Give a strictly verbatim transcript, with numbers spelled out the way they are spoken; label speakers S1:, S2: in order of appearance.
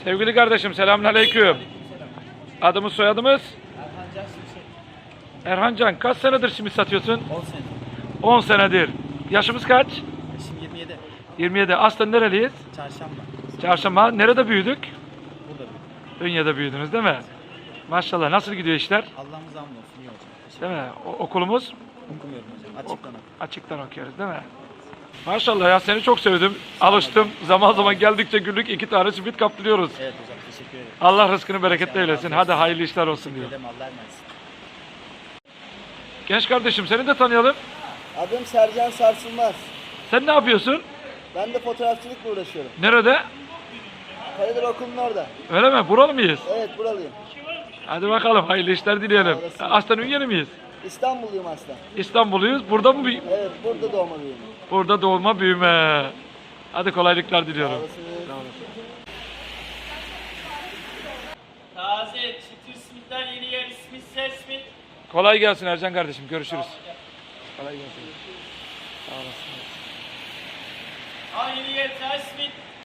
S1: Sevgili kardeşim selamünaleyküm. Adımız soyadımız?
S2: Erhan Can Şimşek.
S1: Erhan Can. Kaç senedir simit satıyorsun?
S2: on sene.
S1: on senedir. Yaşımız kaç?
S2: Yaşım yirmi yedi.
S1: yirmi yedi. Aslen nereliyiz?
S2: Çarşamba.
S1: Çarşamba. Nerede büyüdük?
S2: Burada büyüdüm.
S1: Ünye'de büyüdünüz değil mi? Maşallah. Nasıl gidiyor işler?
S2: Allah'ımız hamd olsun. İyi hocam. Teşekkür
S1: Değil mi? O, okulumuz?
S2: Okumuyorum hocam. Açıktan okuyorum.
S1: Açıktan okuyoruz değil mi? Maşallah ya seni çok sevdim. Alıştım. Zaman zaman geldikçe günlük iki tane simit kaptırıyoruz.
S2: Evet hocam. Teşekkür ederim.
S1: Allah rızkını bereketli
S2: Allah
S1: eylesin.
S2: razı
S1: Hadi
S2: olsun.
S1: hayırlı işler olsun
S2: Teşekkür
S1: diyor.
S2: ederim. Allah emanet.
S1: Genç kardeşim seni de tanıyalım.
S3: Adım Sercan Sarsılmaz.
S1: Sen ne yapıyorsun?
S3: Ben de fotoğrafçılıkla uğraşıyorum.
S1: Nerede?
S3: Karadere Okulu'nun orada.
S1: Öyle mi? Buralı mıyız?
S3: Evet, buralıyım.
S1: Hadi bakalım hayırlı işler dileyelim.
S3: Sağ olasın.
S1: Aslen Ünyeli miyiz?
S3: İstanbulluyum aslında.
S1: İstanbulluyuz. Burada mı? büyü-
S3: Evet, burada doğma büyüdüm.
S1: Burada doğma büyüme. Hadi kolaylıklar
S3: Sağ
S1: diliyorum.
S3: olasınız.
S1: Sağ olasın.
S4: Taze çıtır simitler yeni yer ismi Sesmit.
S1: Kolay gelsin Ercan kardeşim. Görüşürüz. Kolay gelsin. Sağ olasın.
S4: Aa yeni yer Sesmit.